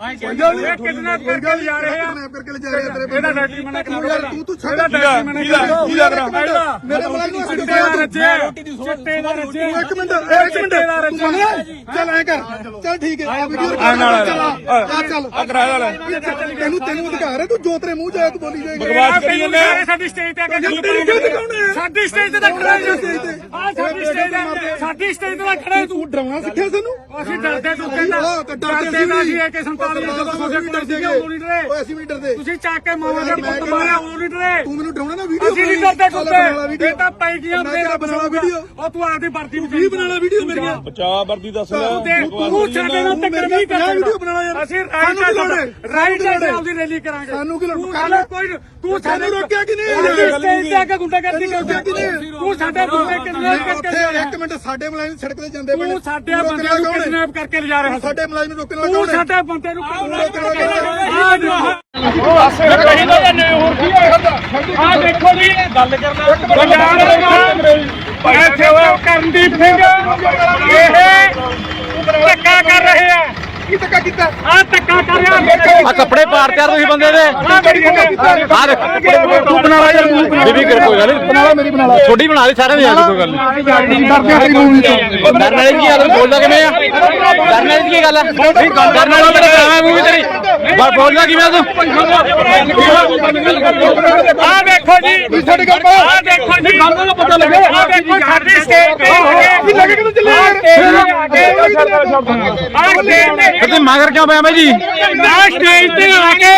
kidnap करके ले जा रहे हैं ਇਹਦਾ ਡਾਇਰੈਕਟਰੀ ਮਨਾ ਕਰਾ ਯਾਰ ਤੂੰ ਛੱਡ ਕੀ ਲੱਗ ਰਿਹਾ ਮੇਰੇ ਮਲਾਈ ਨੂੰ ਚਿੱਟੇ ਦਾ ਰੱਜੇ ਇੱਕ ਮਿੰਟ ਚੱਲ ਐ ਕਰ ਚੱਲ ਠੀਕ ਹੈ ਆ ਵੀਡੀਓ ਚੱਲ ਕਰਾਇਆ ਲੈ ਤੈਨੂੰ ਅਧਿਕਾਰ ਹੈ ਤੂੰ ਜੋ ਤੇਰੇ ਮੂੰਹ ਜਾਏ ਤੂੰ ਬੋਲੀ ਜਾਏਗਾ ਬਕਵਾਸ ਕਰੀ ਜਾਂਦੇ ਸਾਡੀ ਸਟੇਜ ਤੇ ਸਾਡੀ ਸਟੇਜ ਤੇ ਖੜਾ ਹੈ ਸਾਡੀ ਸਟੇਜ ਤੇ ਖੜਾ ਤੂੰ ਡਰਾਉਣਾ ਸਿੱਖਿਆ ਸਾਨੂੰ ਅਸੀਂ ਡਰਦੇ ਤੂੰ ਕਹਿੰਦਾ ਡਰਦੇ ਨਾ ਜੀ AK 47 ਜਦੋਂ ਤੁਹਾਡੇ ਕੋਲ ਸੀਗੇ ਉਹ ਨਹੀਂ ਡਰੇ ਓਏ ਅਸੀਂ ਵੀ ਡਰਦੇ ਤੁਸੀਂ ਚੱਕ ਕੇ ਮਾਵਾਂ ਦੇ ਪੁੱਤ ਮਾਰਿਆ ਉਹ ਨਹੀਂ ਡਰੇ ਤੂੰ ਮੈਨੂੰ ਡਰਾਉਣਾ ਨਾ ਵੀਡੀਓ ਅਸੀਂ ਨਹੀਂ ਡਰਦੇ ਕੁੱਤੇ ਇਹ ਤਾਂ ਪੈ ਗਈਆਂ ਮੇਰਾ ਬਣਾ ਵੀਡੀਓ ਉਹ ਤੂੰ ਆਪਦੀ ਵਰਦੀ ਨੂੰ ਵੀ ਬਣਾ ਲੈ ਵੀਡੀਓ ਮੇਰੀਆਂ ਬਚਾ ਵਰਦੀ ਦੱਸ ਲੈ ਤੂੰ ਸਾਡੇ ਨਾਲ ਟੱਕਰ ਨਹੀਂ ਕਰਦਾ ਵੀਡੀਓ ਬਣਾ ਲੈ ਯਾਰ ਅਸੀਂ ਰਾਈਟ ਆਪਦੀ ਰੈਲੀ ਕਰਾਂਗੇ ਸਾਨੂੰ ਕੀ ਲੋੜ ਕੋਈ ਤੂੰ ਸਾਨੂੰ ਰੋਕਿਆ ਕਿ ਨਹੀਂ ਸਟੇਜ ਤੇ ਆ ਕੇ ਗੁੰਡਾਗਰਦੀ ਕਰਦਾ ਤੂੰ ਸਾਡੇ ਬੰਦੇ ਕਿਡਨੈਪ ਕਰਕੇ ਇੱਕ ਮਿੰਟ ਸਾਡੇ ਮਲਾਈ ਨੂੰ ਸੜਕ ਤੇ ਜਾਂਦੇ ਬਣੇ ਤੂੰ ਸਾਡੇ ਬੰਦੇ ਨੂੰ ਕਿਡਨੈਪ ਕਰਕੇ ਲਿਜਾ ਰਿਹਾ ਸਾਡੇ ਮਲਾਈ ਨੂੰ ਰੋਕਣ ਵਾਲਾ ਕੌਣ ਹੈ ਸਾਡੇ ਬੰਦੇ ਨੂੰ ਆ ਦੇਖੋ ਜੀ ਗੱਲ ਕਰਨਾ ਕਰਨਦੀਪ ਸਿੰਘ ਇਹ ਧੱਕਾ ਕਰ ਰਹੇ ਆ ਕੀ ਧੱਕਾ ਕੀਤਾ ਆ ਧੱਕਾ ਕਰ ਰਿਹਾ ਆ ਕੱਪੜੇ ਪਾੜਤੇ ਯਾਰ ਤੁਸੀਂ ਬੰਦੇ ਦੇ ਆ ਦੇਖ ਤੂੰ ਬਣਾ ਲੈ ਯਾਰ ਬੀਬੀ ਕਰ ਕੋਈ ਗੱਲ ਬਣਾ ਲੈ ਮੇਰੀ ਬਣਾ ਲੈ ਛੋਟੀ ਬਣਾ ਦੇ ਸਾਰਿਆਂ ਦੀ ਯਾਰ ਕੋਈ ਗੱਲ ਨਹੀਂ ਡਰਦੇ ਆ ਡਰਨ ਵਾਲੀ ਕੀ ਗੱਲ ਬੋਲਦਾ ਕਿਵੇਂ ਆ ਡਰਨ ਵਾਲੀ ਕੀ ਗੱਲ ਆ ਨਹੀਂ ਡਰਨ ਵਾਲੀ ਮੇਰੇ ਕਾਵੇਂ ਮੂੰਹ ਤੇਰੀ ਬਸ ਬੋਲਦਾ ਕਿਵੇਂ ਤੂੰ ਆ ਦੇਖੋ ਜੀ ਸਾਡੇ ਗੱਲ ਆ ਦੇਖੋ ਜੀ ਗੱਲ ਦਾ ਪਤਾ ਲੱਗੇ ਆ ਦੇਖੋ ਸਾਡੀ ਸਟੇਜ ਤੇ ਕੀ ਲੱਗੇ ਕਿ ਤੂੰ ਚੱਲੇ ਤੇ ਮਗਰ ਕਿਉਂ ਪਿਆ ਬਾਈ ਜੀ ਸਟੇਜ ਤੇ ਆ ਕੇ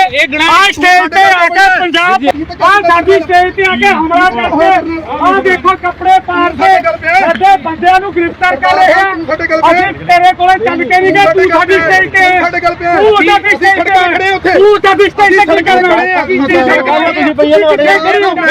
ਪੰਜਾਬ ਸਾਡੀ ਸਟੇਜ ਤੇ ਆ ਕੇ ਹਮਲਾ ਕਰਦੇ ਆ ਦੇਖੋ ਕੱਪੜੇ ਪਾੜ ਕੇ ਸਾਡੇ ਬੰਦਿਆਂ ਨੂੰ ਗ੍ਰਿਫਤਾਰ ਕਰ ਰਹੇ ਆ ਅਸੀਂ ਤੇਰੇ ਕੋਲੇ ਚੱਲ ਕੇ ਨਹੀਂ ਗਏ ਤੂੰ ਸਾਡੀ ਸਟੇਜ ਤੇ ਤੂੰ ਸਾਡੀ ਸਟੇਜ ਤੇ ਖੜੇ ਉੱਥੇ ਤੂੰ ਸਾਡੀ ਸਟੇਜ ਤੇ ਕਰਨਾ